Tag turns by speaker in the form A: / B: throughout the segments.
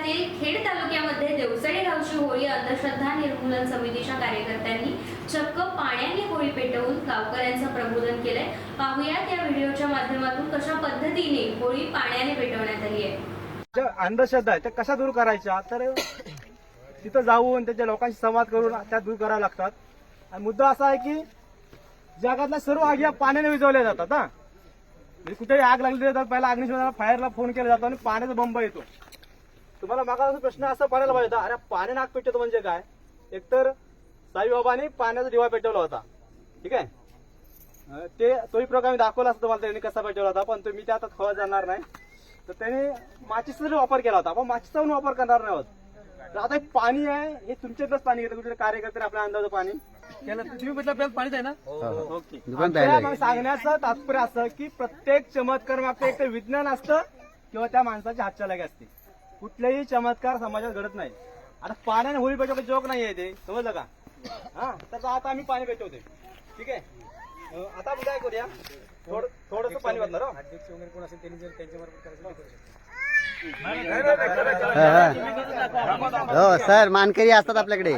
A: जिल्ह्यातील खेड तालुक्यामध्ये देवसडे गावची होळी अंधश्रद्धा निर्मूलन समितीच्या कार्यकर्त्यांनी चक्क पाण्याने होळी पेटवून गावकऱ्यांचं प्रबोधन केलंय। पाहूयात या व्हिडिओच्या माध्यमातून कशा पद्धतीने होळी पाण्याने पेटवण्यात आली आहे।
B: ज्या अंधश्रद्धा आहे त्या कशा दूर करायच्या, तर तिथं जाऊन त्याच्या लोकांशी संवाद करून त्या दूर करायला लागतात। आणि मुद्दा असा आहे की जगातल्या सर्व आग या पाण्याने विझवल्या जातात। म्हणजे कुठेही आग लागली तर पहिला अग्निशमनाला फायरला फोन केला जातो आणि पाण्याचा बंब येतो। तुम्हाला मागा प्रश्न असा पडायला पाहिजे होता, अरे पाण्याने आग पेटवतो म्हणजे काय? एकतर साईबाबांनी पाण्याचा दिवा पेटवला होता, ठीक आहे, ते तोही प्रकार मी दाखवला असता तुम्हाला त्यांनी कसा पेटवला होता, पण मी ते आता खोळा जाणार नाही। तर त्याने माचीचा वापर केला होता, आपण माचीचा पण वापर करणार नाही आहोत। तर आता पाणी आहे हे तुमच्यातलंच पाणी घेतं, कुठे कार्यकर्ते आपल्या अंदाज पाणी त्याला तुम्ही म्हटलं पाणीच आहे ना। ओके, सांगण्याचं तात्पर्य असं की प्रत्येक चमत्कार मागचं एक तर विज्ञान असतं किंवा त्या माणसाची हातचलाखी असते। कुठलेही चमत्कार समाजात घडत नाही। आता पाण्याने होळी पेटवतो जोक नाही आहे ते, समजलं का? हा, तर आता आम्ही पाणी पेटवतोय, ठीक आहे। आता आपण काय करूया, थोडंसं पाणी वाटणार अध्यक्ष वगैरे कोण असेल त्यांनी जर त्यांच्याबरोबर करायचं
C: हो सर, मानकरी असतात आपल्याकडे।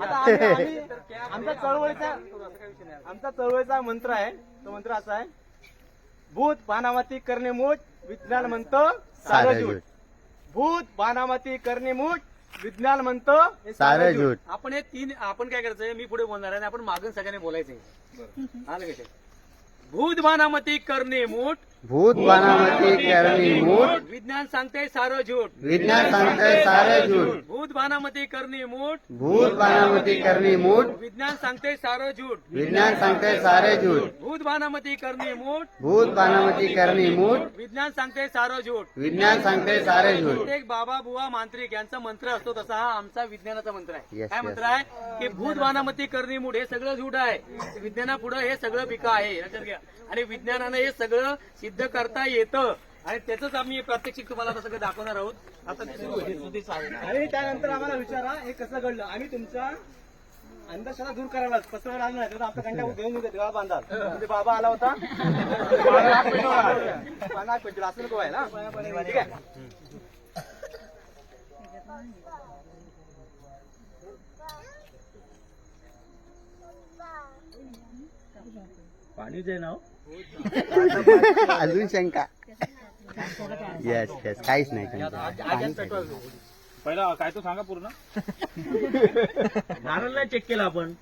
B: आमचा चळवळीचा मंत्र आहे, तो मंत्र असा आहे, भूत बाणामती करणे मूठ विज्ञान म्हणतं सारं झूट। भूत बाणामती करणे मूठ विज्ञान म्हणतं
C: सारं झूट।
D: आपण हे तीन, आपण काय करायचंय, मी पुढे बोलणार आहे आणि आपण मागून सगळ्यांनी बोलायचंय। आलं का? भूत बाणामती करणे मूठ,
C: भूत बाणामती करणी मूठ,
D: विज्ञान सांगते सारं झूट।
C: विज्ञान सांगते सारे झूट।
D: भूत बाणामती करणे मूठ,
C: भूत बाणामती करणी मूठ,
D: विज्ञान सांगते सारं झूट।
C: विज्ञान सांगते सारे झूट।
D: भूत बाणामती करणे मूठ,
C: भूत बाणामती करणी मूठ,
D: विज्ञान सांगते सारं झूट।
C: विज्ञान सांगते सारे झूट।
D: प्रत्येक बाबा बुवा मांत्रिक यांचा मंत्र असतो, तसा हा आमचा विज्ञानाचा मंत्र आहे।
C: Yes,
D: काय
C: yes.
D: मंत्र आहे की भूत बाणामती करणी मूठ हे सगळं झूट आहे, विज्ञानापुढे हे सगळं पिका आहे, लक्षात घ्या। आणि विज्ञानानं हे सगळं सिद्ध करता येतं आणि त्याच आम्ही प्रात्यक्षिक तुम्हाला आता सगळं दाखवणार आहोत। आता ते सुरू होईल।
B: आणि त्यानंतर आम्हाला विचारा हे कसं घडलं। आम्ही तुमचा अंधश्रद्धा दूर करायला पसरवणार आलो नाही, तर आपल्या कंट्या घेऊन देवा बांधा म्हणजे बाबा आला होता पानाक पेटला असं नको आहे ना, ठीक आहे।
D: पाणीच आहे ना
C: अजून शंका? येस येस, काहीच नाही
D: पहिला काय तो सांगा पूर्ण। नारळ नाही चेक केला आपण।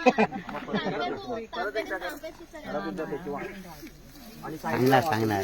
C: सांगणार सांगणार।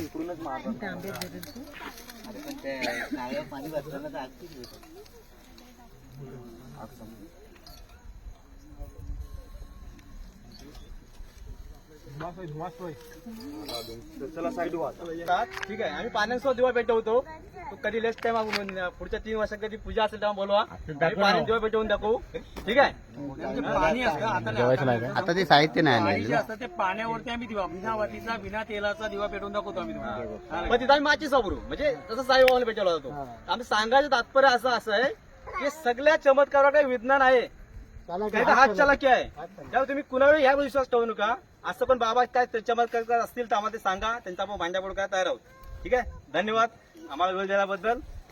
B: चला साईड व्हा, ठीक आहे। आम्ही पाण्यासोबत दिवा पेटवतो, तो कधी नेक्स्ट टाइम पुढच्या 3 वर्षात कधी पूजा असेल तेव्हा बोलवा, पाणी दिवा पेटवून दाखवू, ठीक आहे।
D: पाणी असतं
C: आता ते साहित्य नाही
D: पाणी
C: आणलेलं
D: जे असतं ते पाण्यावरती आम्ही दिवा, बिना वातीचा बिना तेलाचा दिवा पेटवून दाखवतो आम्ही तुम्हाला।
B: मग तिथं आम्ही माचीस वापरू, म्हणजे जसं साईबाबाने पेटवला जातो। आम्ही सांगायचं तात्पर्य असं आहे की सगळ्या चमत्कारावर काही विज्ञान आहे, काही हात चलाकी आहे। त्यामुळे तुम्ही कुणावर ह्या विश्वास ठेवू नका। असं पण बाबा काय चमत्कार असतील तर आम्हाला ते सांगा, त्यांचा आपण भांड्यापोड काय तयार आहोत, ठीक आहे। धन्यवाद आम्हाला वेळ दिल्याबद्दल।